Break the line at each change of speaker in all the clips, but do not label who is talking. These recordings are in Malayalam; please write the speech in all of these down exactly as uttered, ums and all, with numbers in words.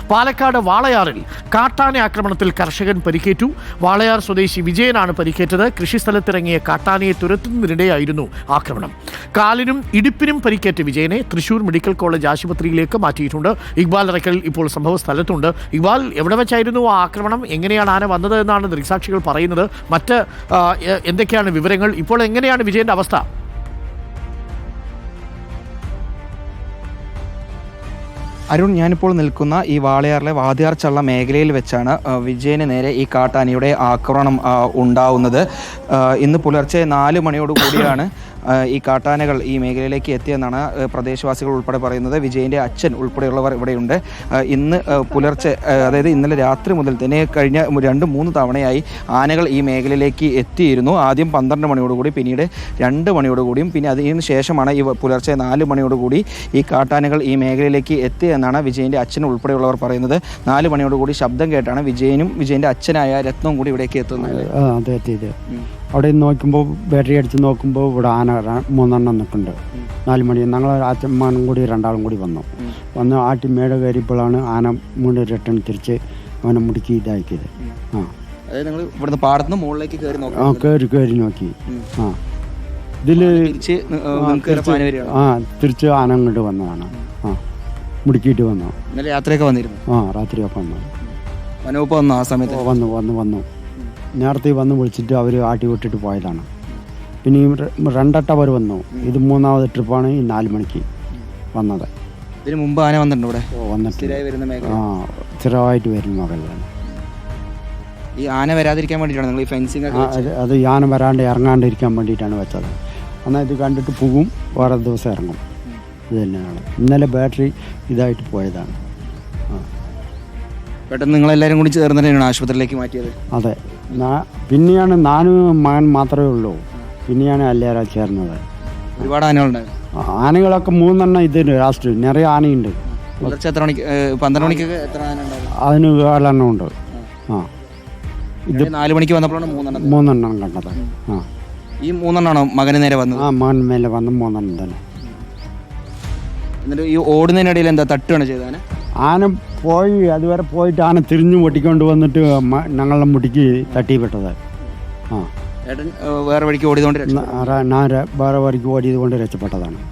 പാലക്കാട് വാളയാറിൽ കാട്ടാന ആക്രമണത്തിൽ കർഷകൻ പരിക്കേറ്റു. വാളയാർ സ്വദേശി വിജയനാണ് പരിക്കേറ്റത്. കൃഷിസ്ഥലത്തിറങ്ങിയ കാട്ടാനയെ തുരത്തുന്നതിനിടെയായിരുന്നു ആക്രമണം. കാലിനും ഇടുപ്പിനും പരിക്കേറ്റ വിജയനെ തൃശൂർ മെഡിക്കൽ കോളേജ് ആശുപത്രിയിലേക്ക് മാറ്റിയിട്ടുണ്ട്. ഇക്ബാൽ അറക്കൽ ഇപ്പോൾ സംഭവ സ്ഥലത്തുണ്ട്. ഇക്ബാൽ, എവിടെ വെച്ചായിരുന്നു ആ ആക്രമണം? എങ്ങനെയാണ് ആന വന്നത് എന്നാണ് ദൃക്സാക്ഷികൾ പറയുന്നത്? മറ്റ് എന്തൊക്കെയാണ് വിവരങ്ങൾ? ഇപ്പോൾ എങ്ങനെയാണ് വിജയന്റെ അവസ്ഥ?
അരുൺ, ഞാനിപ്പോൾ നിൽക്കുന്ന ഈ വാളയാറിലെ വാതിയാർച്ചള്ള മേഖലയിൽ വെച്ചാണ് വിജയന് നേരെ ഈ കാട്ടാനയുടെ ആക്രമണം ഉണ്ടാവുന്നത്. ഇന്ന് പുലർച്ചെ നാല് മണിയോട് കൂടിയാണ് ഈ കാട്ടാനകൾ ഈ മേഖലയിലേക്ക് എത്തിയെന്നാണ് പ്രദേശവാസികൾ ഉൾപ്പെടെ പറയുന്നത്. വിജയൻ്റെ അച്ഛൻ ഉൾപ്പെടെയുള്ളവർ ഇവിടെയുണ്ട്. ഇന്ന് പുലർച്ചെ, അതായത് ഇന്നലെ രാത്രി മുതൽ തന്നെ കഴിഞ്ഞ രണ്ട് മൂന്ന് തവണയായി ആനകൾ ഈ മേഖലയിലേക്ക് എത്തിയിരുന്നു. ആദ്യം പന്ത്രണ്ട് മണിയോടുകൂടി, പിന്നീട് രണ്ട് മണിയോടുകൂടിയും, പിന്നെ അതിന് ശേഷമാണ് ഈ പുലർച്ചെ നാല് മണിയോടുകൂടി ഈ കാട്ടാനകൾ ഈ മേഖലയിലേക്ക് എത്തിയെന്നാണ് വിജയൻ്റെ അച്ഛൻ ഉൾപ്പെടെയുള്ളവർ പറയുന്നത്. നാല് മണിയോടുകൂടി ശബ്ദം കേട്ടാണ് വിജയനും വിജയൻ്റെ അച്ഛനായ രത്നവും കൂടി ഇവിടേക്ക് എത്തുന്നത്.
അതെ എത്തിയത്. അവിടെ നോക്കുമ്പോൾ ബാറ്ററി അടിച്ച് നോക്കുമ്പോൾ ഇവിടെ ആന മൂന്നെണ്ണം നിൽക്കുന്നുണ്ട്. നാല് മണി ഞങ്ങൾ അച്ഛന്മാരും കൂടി രണ്ടാളും കൂടി വന്നു വന്ന് ആട്ടി മേട കയറിയപ്പോഴാണ് ആന മൂന്ന് റിട്ടേൺ തിരിച്ച് അവനെ മുടുക്കി ഇതാക്കിയത്. ആ
അതായത് നിങ്ങൾ ഇവിടുന്ന് പാടത്തുനിന്ന് മുകളിലേക്ക് കയറി നോക്കി?
ആ കയറി കയറി നോക്കി. ആ ഇതിൽ ആ തിരിച്ച് ആന അങ്ങോട്ട് വന്നതാണ്. ആ മുടുക്കിയിട്ട് വന്നു.
ഇന്നലെ യാത്രയൊക്കെ വന്നിരുന്നു?
ആ രാത്രിയൊക്കെ വന്നു.
വനവകുപ്പ് വന്നു ആ സമയത്ത്?
വന്നു വന്നു വന്നു നേരത്തെ വന്ന് വിളിച്ചിട്ട് അവർ ആട്ടി വിട്ടിട്ട് പോയതാണ്. പിന്നെ ഈ രണ്ടട്ട അവർ വന്നു. ഇത് മൂന്നാമത് ട്രിപ്പാണ് ഈ നാല് മണിക്ക് വന്നത്.
ഇതിന് മുമ്പ് ആന വന്നിട്ടുണ്ട് ഇവിടെ?
വന്നിട്ട് ആ സ്ഥിരമായിട്ട് വരുന്ന മകളാണ്.
ഈ ആന വരാതിരിക്കാൻ വേണ്ടിയിട്ടാണ് നിങ്ങൾ ഈ ഫെൻസിങ്?
അത് ഈ ആന വരാണ്ട് ഇറങ്ങാണ്ടിരിക്കാൻ വേണ്ടിയിട്ടാണ് വെച്ചത്. എന്നാൽ ഇത് കണ്ടിട്ട് പോകും, വേറെ ദിവസം ഇറങ്ങും. ഇത് തന്നെയാണ്. ഇന്നലെ ബാറ്ററി ഇതായിട്ട് പോയതാണ്. ആ
പെട്ടെന്ന് നിങ്ങളെല്ലാവരും കൂടി ചേർന്ന് തന്നെയാണ് ആശുപത്രിയിലേക്ക് മാറ്റിയത്?
അതെ. പിന്നെയാണ് നാനും മകൻ മാത്രമേ ഉള്ളൂ. പിന്നെയാണ് എല്ലാവരും ചേർന്നത്.
ഒരുപാട് ആനകളുണ്ടായിരുന്നു?
ആനകളൊക്കെ മൂന്നെണ്ണം ഇതിന് ലാസ്റ്റ് നിറയെ ആനയുണ്ട്.
പുലർച്ചെ എത്ര മണിക്ക്? പന്ത്രണ്ട് മണിക്കൊക്കെ എത്ര ആന ഉണ്ടായിരുന്നു?
അതിന് ഏഴെണ്ണം ഉണ്ട്. ആ
ഇത് നാല് മണിക്ക് വന്നപ്പോഴാണ് മൂന്നെണ്ണം
മൂന്നെണ്ണം കണ്ടത്. ആ
ഈ മൂന്നെണ്ണമാണോ മകന് നേരെ വന്നത്?
ആ മകൻ മേലെ വന്ന് മൂന്നെണ്ണം തന്നെ.
എന്നിട്ട് ഈ ഓടുന്നതിനിടയിൽ എന്താ തട്ടുകയാണ് ചെയ്തത്? ആന
പോയി അതുവരെ പോയിട്ട് ആന തിരിഞ്ഞു പൊട്ടിക്കൊണ്ട് വന്നിട്ട് ഞങ്ങളെ മുടിക്ക് തട്ടിപ്പെട്ടത്. ആ
ഏട്ടൻ വേറെ വഴിക്ക് ഓടിയതുകൊണ്ട്
ഞാൻ വേറെ വഴിക്ക് ഓടിയത് കൊണ്ട് രക്ഷപ്പെട്ടതാണ്.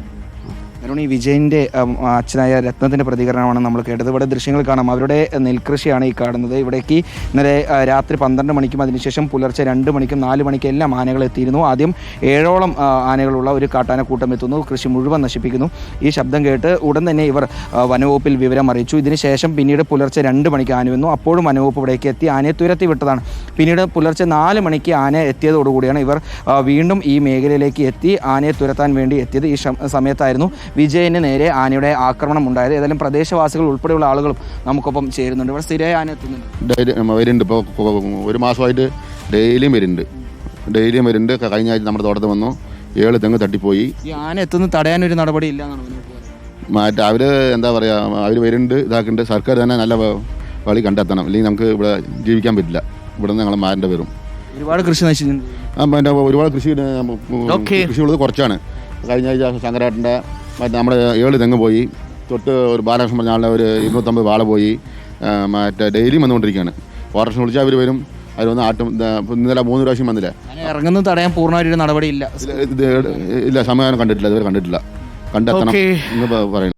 കാരണം ഈ വിജയൻ്റെ അച്ഛനായ രത്നത്തിൻ്റെ പ്രതികരണമാണ് നമ്മൾ കേട്ടത്. ഇവിടെ ദൃശ്യങ്ങൾ കാണാം. അവരുടെ നെൽകൃഷിയാണ് ഈ കാണുന്നത്. ഇവിടേക്ക് ഇന്നലെ രാത്രി പന്ത്രണ്ട് മണിക്കും അതിനുശേഷം പുലർച്ചെ രണ്ട് മണിക്കും നാല് മണിക്കും എല്ലാം ആനകൾ എത്തിയിരുന്നു. ആദ്യം ഏഴോളം ആനകളുള്ള ഒരു കാട്ടാനക്കൂട്ടം എത്തുന്നു, കൃഷി മുഴുവൻ നശിപ്പിക്കുന്നു. ഈ ശബ്ദം കേട്ട് ഉടൻ തന്നെ ഇവർ വനവകുപ്പിൽ വിവരം അറിയിച്ചു. ഇതിനുശേഷം പിന്നീട് പുലർച്ചെ രണ്ട് മണിക്ക് ആന വന്നു. അപ്പോഴും വനവകുപ്പ് ഇവിടേക്ക് എത്തി ആനയെ തുരത്തി വിട്ടതാണ്. പിന്നീട് പുലർച്ചെ നാല് മണിക്ക് ആന എത്തിയതോടുകൂടിയാണ് ഇവർ വീണ്ടും ഈ മേഖലയിലേക്ക് എത്തി ആനയെ തുരത്താൻ വേണ്ടി എത്തിയത്. ഈ സമയത്തായിരുന്നു വിജയന് നേരെ ആനയുടെ ആക്രമണം ഉണ്ടായത്. ഏതായാലും പ്രദേശവാസികൾ ഉൾപ്പെടെയുള്ള ആളുകളും നമുക്കൊപ്പം ചേരുന്നുണ്ട്. ഇവിടെ സ്ഥിരമായി ആന എത്തുന്നുണ്ട്?
വരുന്നുണ്ട്. ഇപ്പോൾ ഒരു മാസമായിട്ട് ഡെയിലിയും വരുന്നുണ്ട്. ഡെയിലിയും വരുന്നുണ്ട്. കഴിഞ്ഞ ആഴ്ച നമ്മുടെ തോട്ടത്തിൽ വന്നു, ഏഴ് തെങ്ങ് തട്ടിപ്പോയി.
ഈ ആന എത്തുന്ന തടയാനൊരു നടപടി ഇല്ല എന്നാണ്
മറ്റേ അവർ എന്താ പറയുക, അവർ വരുന്നുണ്ട്, ഇതാക്കുന്നുണ്ട്. സർക്കാർ തന്നെ നല്ല വഴി കണ്ടെത്തണം, അല്ലെങ്കിൽ നമുക്ക് ഇവിടെ ജീവിക്കാൻ പറ്റില്ല. ഇവിടെ നിന്ന് ഞങ്ങൾ മാറേണ്ടി വരും.
ഒരുപാട് കൃഷി നശിച്ചിട്ടുണ്ട്.
ആ പിന്നെ ഒരുപാട് കൃഷി കൃഷിയുള്ളത് കുറച്ചാണ്. കഴിഞ്ഞ ആഴ്ച ശങ്കരാട്ടൻ്റെ മറ്റേ നമ്മുടെ ഏഴ് തെങ്ങ് പോയി. തൊട്ട് ഒരു ബാലകൃഷ്ണൻ പറഞ്ഞ ആളുടെ ഒരു ഇരുന്നൂറ്റമ്പത് വാള പോയി. മറ്റേ ഡെയിലിയും വന്നുകൊണ്ടിരിക്കുകയാണ്. ഫോറസ്റ്റ് വിളിച്ചാൽ അവർ വരും, അവർ വന്ന് ആട്ടും. ഇന്നലെ മൂന്ന് പ്രാവശ്യം വന്നില്ല.
ഇറങ്ങുന്നത് തടയാൻ പൂർണ്ണമായിട്ട് നടപടി ഇല്ല.
ഇല്ല, സമയം കണ്ടിട്ടില്ല, ഇതുവരെ കണ്ടിട്ടില്ല. കണ്ടെത്തണം എന്ന് പറയുന്നത്.